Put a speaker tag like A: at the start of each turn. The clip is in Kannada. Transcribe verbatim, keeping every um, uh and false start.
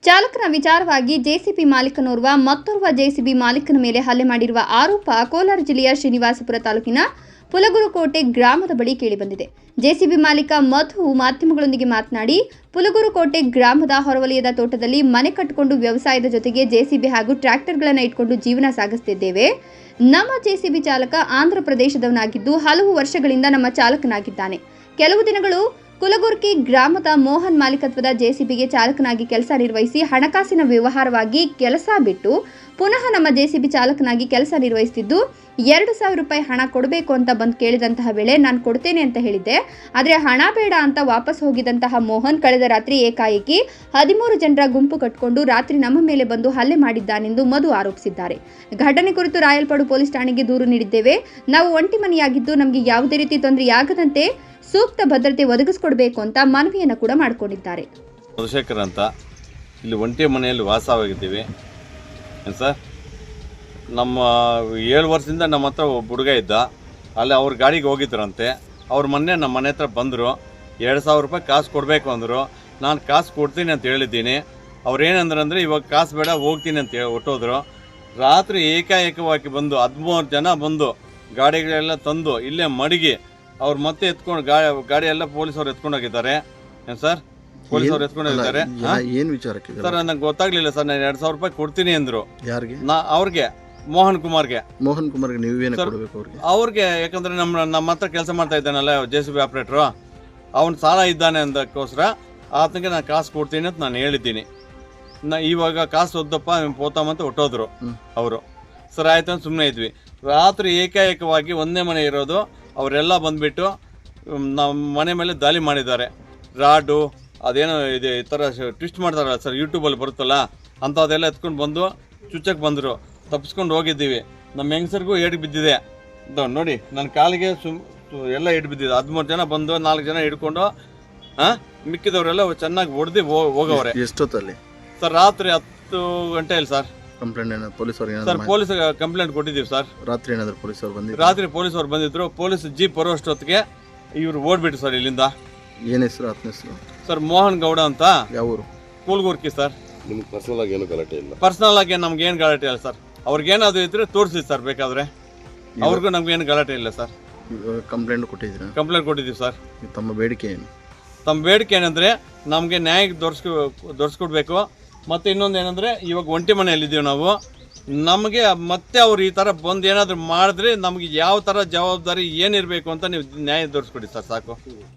A: ಚಾಲಕನ ವಿಚಾರವಾಗಿ ಜೆಸಿಬಿ ಮಾಲೀಕನೋರ್ವ ಮತ್ತೋರ್ವ ಜೆಸಿಬಿ ಮಾಲೀಕನ ಮೇಲೆ ಹಲ್ಲೆ ಮಾಡಿರುವ ಆರೋಪ ಕೋಲಾರ ಜಿಲ್ಲೆಯ ಶ್ರೀನಿವಾಸಪುರ ತಾಲೂಕಿನ ಪುಲಗುರುಕೋಟೆ ಗ್ರಾಮದ ಬಳಿ ಕೇಳಿಬಂದಿದೆ. ಜೆಸಿಬಿ ಮಾಲೀಕ ಮಧು ಮಾಧ್ಯಮಗಳೊಂದಿಗೆ ಮಾತನಾಡಿ, ಪುಲಗುರುಕೋಟೆ ಗ್ರಾಮದ ಹೊರವಲಯದ ತೋಟದಲ್ಲಿ ಮನೆ ಕಟ್ಟಿಕೊಂಡು ವ್ಯವಸಾಯದ ಜೊತೆಗೆ ಜೆಸಿಬಿ ಹಾಗೂ ಟ್ರ್ಯಾಕ್ಟರ್ಗಳನ್ನು ಇಟ್ಕೊಂಡು ಜೀವನ ಸಾಗಿಸುತ್ತಿದ್ದೇವೆ. ನಮ್ಮ ಜೆಸಿಬಿ ಚಾಲಕ ಆಂಧ್ರ ಪ್ರದೇಶದವನಾಗಿದ್ದು ಹಲವು ವರ್ಷಗಳಿಂದ ನಮ್ಮ ಚಾಲಕನಾಗಿದ್ದಾನೆ. ಕೆಲವು ದಿನಗಳು ಕುಲಗುರ್ಕಿ ಗ್ರಾಮದ ಮೋಹನ್ ಮಾಲೀಕತ್ವದ ಜೆಸಿಬಿಗೆ ಚಾಲಕನಾಗಿ ಕೆಲಸ ನಿರ್ವಹಿಸಿ ಹಣಕಾಸಿನ ವ್ಯವಹಾರವಾಗಿ ಕೆಲಸ ಬಿಟ್ಟು ಪುನಃ ನಮ್ಮ ಜೆಸಿಬಿ ಚಾಲಕನಾಗಿ ಕೆಲಸ ನಿರ್ವಹಿಸುತ್ತಿದ್ದು ಎರಡು ಸಾವಿರ ರೂಪಾಯಿ ಹಣ ಕೊಡಬೇಕು ಅಂತ ಬಂದು ಕೇಳಿದಂತಹ ವೇಳೆ ನಾನು ಕೊಡ್ತೇನೆ ಅಂತ ಹೇಳಿದ್ದೆ. ಆದರೆ ಹಣ ಬೇಡ ಅಂತ ವಾಪಸ್ ಹೋಗಿದಂತಹ ಮೋಹನ್ ಕಳೆದ ರಾತ್ರಿ ಏಕಾಏಕಿ ಹದಿಮೂರು ಜನರ ಗುಂಪು ಕಟ್ಟಿಕೊಂಡು ರಾತ್ರಿ ನಮ್ಮ ಮೇಲೆ ಬಂದು ಹಲ್ಲೆ ಮಾಡಿದ್ದಾನೆಂದು ಮಧು ಆರೋಪಿಸಿದ್ದಾರೆ. ಘಟನೆ ಕುರಿತು ರಾಯಲ್ಪಾಡು ಪೊಲೀಸ್ ಠಾಣೆಗೆ ದೂರು ನೀಡಿದ್ದೇವೆ. ನಾವು ಒಂಟಿ ಮನೆಯಾಗಿದ್ದು ನಮಗೆ ಯಾವುದೇ ರೀತಿ ತೊಂದರೆಯಾಗದಂತೆ ಸೂಕ್ತ ಭದ್ರತೆ ಒದಗಿಸಿಕೊಡಬೇಕು ಅಂತ ಮನವಿಯನ್ನು ಕೂಡ ಮಾಡಿಕೊಂಡಿದ್ದಾರೆ.
B: ಚಂದ್ರಶೇಖರ್ ಅಂತ ಇಲ್ಲಿ ಒಂಟಿ ಮನೆಯಲ್ಲಿ ವಾಸವಾಗಿದ್ದೀವಿ ಸರ್. ನಮ್ಮ ಏಳು ವರ್ಷದಿಂದ ನಮ್ಮ ಹತ್ರ ಒಬ್ಬ ಹುಡುಗ ಇದ್ದ, ಅಲ್ಲಿ ಅವ್ರ ಗಾಡಿಗೆ ಹೋಗಿದ್ರಂತೆ. ಅವ್ರ ಮೊನ್ನೆ ನಮ್ಮ ಮನೆ ಹತ್ರ ಬಂದರು, ಎರಡು ಸಾವಿರ ರೂಪಾಯಿ ಕಾಸು ಕೊಡಬೇಕು ಅಂದರು. ನಾನು ಕಾಸು ಕೊಡ್ತೀನಿ ಅಂತ ಹೇಳಿದ್ದೀನಿ. ಅವ್ರು ಏನಂದ್ರೆ ಅಂದರೆ ಇವಾಗ ಕಾಸು ಬೇಡ ಹೋಗ್ತೀನಿ ಅಂತ ಹೇಳಿ ಹೊಟ್ಟೋದ್ರು. ರಾತ್ರಿ ಏಕಾಏಕವಾಗಿ ಬಂದು ಹದಿಮೂರು ಜನ ಬಂದು ಗಾಡಿಗಳೆಲ್ಲ ತಂದು ಇಲ್ಲೇ ಮಡಗಿ ಅವ್ರು ಮತ್ತೆ ಎತ್ಕೊಂಡು ಗಾಡಿ ಗಾಡಿ ಎಲ್ಲ ಪೊಲೀಸವ್ರು ಎತ್ಕೊಂಡು ಹೋಗಿದ್ದಾರೆ ಸರ್. ಪೊಲೀಸವ್ರು ಎತ್ಕೊಂಡು ಹೋಗಿದ್ದಾರೆ.
C: ಏನು ವಿಚಾರಕ್ಕೆ
B: ಸರ್ ನಂಗೆ ಗೊತ್ತಾಗ್ಲಿಲ್ಲ ಸರ್. ನಾನು ಎರಡು ಸಾವಿರ ರೂಪಾಯಿ ಕೊಡ್ತೀನಿ ಅಂದರು.
C: ಯಾರಿಗೆ?
B: ನಾ ಅವ್ರಿಗೆ ಮೋಹನ್ ಕುಮಾರ್ಗೆ.
C: ಮೋಹನ್ ಕುಮಾರ್ಗೆ ನೀವೇನು ಕೊಡಬೇಕು ಅವ್ರಿಗೆ?
B: ಅವ್ರಿಗೆ ಯಾಕಂದ್ರೆ ನಮ್ಮ ನಮ್ಮ ಹತ್ರ ಕೆಲಸ ಮಾಡ್ತಾ ಇದ್ದಾನಲ್ಲ ಜೆ ಸಿ ಬಿ ಆಪ್ರೇಟ್ರು, ಅವ್ನು ಸಾಲ ಇದ್ದಾನೆ ಅಂದಕ್ಕೋಸ್ಕರ ಆತನಿಗೆ ನಾನು ಕಾಸು ಕೊಡ್ತೀನಿ ಅಂತ ನಾನು ಹೇಳಿದ್ದೀನಿ. ನಾ ಇವಾಗ ಕಾಸು ಒದ್ದಪ್ಪ ಪೋತಾಮಂತ ಹೊಟ್ಟೋದ್ರು ಅವರು. ಸರ್ ಆಯ್ತು ಅಂತ ಸುಮ್ಮನೆ ಇದ್ವಿ. ರಾತ್ರಿ ಏಕಾಏಕವಾಗಿ ಒಂದೇ ಮನೆ ಇರೋದು ಅವರೆಲ್ಲ ಬಂದುಬಿಟ್ಟು ನಮ್ಮ ಮನೆ ಮೇಲೆ ದಾಳಿ ಮಾಡಿದ್ದಾರೆ. ರಾಡು ಅದೇನೋ ಇದೆ ಈ ಥರ ಟ್ವಿಸ್ಟ್ ಮಾಡ್ತಾರಲ್ಲ ಸರ್, ಯೂಟ್ಯೂಬಲ್ಲಿ ಬರುತ್ತಲ್ಲ ಅಂಥದ್ದೆಲ್ಲ ಎತ್ಕೊಂಡು ಬಂದು ಚುಚ್ಚಕ್ಕೆ ಬಂದರು. ತಪ್ಪಿಸ್ಕೊಂಡು ಹೋಗಿದ್ದೀವಿ. ನಮ್ಮ ಹೆಂಗಸರಿಗೂ ಏಟು ಬಿದ್ದಿದೆ ನೋಡಿ, ನನ್ನ ಕಾಲಿಗೆ ಸುಮ್ ಎಲ್ಲ ಏಟು ಬಿದ್ದಿದೆ. ಹದಿಮೂರು ಜನ ಬಂದು ನಾಲ್ಕು ಜನ ಹಿಡ್ಕೊಂಡು ಹಾಂ ಮಿಕ್ಕಿದವರೆಲ್ಲ ಚೆನ್ನಾಗಿ ಹೊಡೆದು ಹೋಗವ್ರೆ.
C: ಎಷ್ಟೊತ್ತಲ್ಲಿ
B: ಸರ್? ರಾತ್ರಿ ಹತ್ತು ಗಂಟೆಯಲ್ಲಿ ಸರ್.
C: ಕಂಪ್ಲೇಂಟ್ ಏನಾದ್ರು ಪೊಲೀಸರು?
B: ಸರ್ ಪೊಲೀಸ್ ಕಂಪ್ಲೇಂಟ್ ಕೊಟ್ಟಿದ್ದೀವಿ ಸರ್.
C: ರಾತ್ರಿ ಏನಾದ್ರು ಪೊಲೀಸರು ಬಂದಿದ್ರು?
B: ರಾತ್ರಿ ಪೊಲೀಸವ್ರು ಬಂದಿದ್ರು. ಪೊಲೀಸ್ ಜೀಪ್ ಬರೋಷ್ಟೊತ್ತಿಗೆ ಇವ್ರು ಓಡ್ಬಿಟ್ಟು ಸರ್ ಇಲ್ಲಿಂದ.
C: ಏನು ಹೆಸರು ಆತನ ಹೆಸರು?
B: ಸರ್ ಮೋಹನ್ ಗೌಡ ಅಂತ.
C: ಯಾವ ಊರು?
B: ಕೂಲ್ಗುರ್ಕಿ ಸರ್.
D: ನಿಮ್ಗೆ ಪರ್ಸನಲ್ ಆಗಿ ಏನು ಗಲಾಟೆ ಇಲ್ಲ?
B: ಪರ್ಸನಲ್ ಆಗಿ ನಮ್ಗೆ ಏನು ಗಲಾಟೆ ಇಲ್ಲ ಸರ್. ಅವ್ರಿಗೇನಾದ್ರು ಇದ್ರೆ ತೋರಿಸಿ ಸರ್ ಬೇಕಾದ್ರೆ. ಅವ್ರಿಗೂ ನಮ್ಗೆ ಏನು ಗಲಾಟೆ ಇಲ್ಲ ಸರ್.
C: ಕಂಪ್ಲೇಂಟ್ ಕೊಟ್ಟಿದ್ದೀರಾ?
B: ಕಂಪ್ಲೇಂಟ್ ಕೊಟ್ಟಿದ್ದೀವಿ ಸರ್.
C: ತಮ್ಮ ಬೇಡಿಕೆ ಏನು?
B: ತಮ್ಮ ಬೇಡಿಕೆ ಏನಂದರೆ ನಮಗೆ ನ್ಯಾಯ ದೊರಸ್ಕೊ ದೊರಸ್ಕೊಡ್ಬೇಕು. ಮತ್ತು ಇನ್ನೊಂದು ಏನಂದರೆ ಇವಾಗ ಒಂಟಿ ಮನೆಯಲ್ಲಿದ್ದೀವಿ ನಾವು. ನಮಗೆ ಮತ್ತೆ ಅವ್ರು ಈ ಥರ ಬಂದು ಏನಾದರೂ ಮಾಡಿದ್ರೆ ನಮಗೆ ಯಾವ ಥರ ಜವಾಬ್ದಾರಿ ಏನಿರಬೇಕು ಅಂತ ನೀವು ನ್ಯಾಯ ದೊರಸ್ಕೊಡಿ ಸರ್, ಸಾಕು.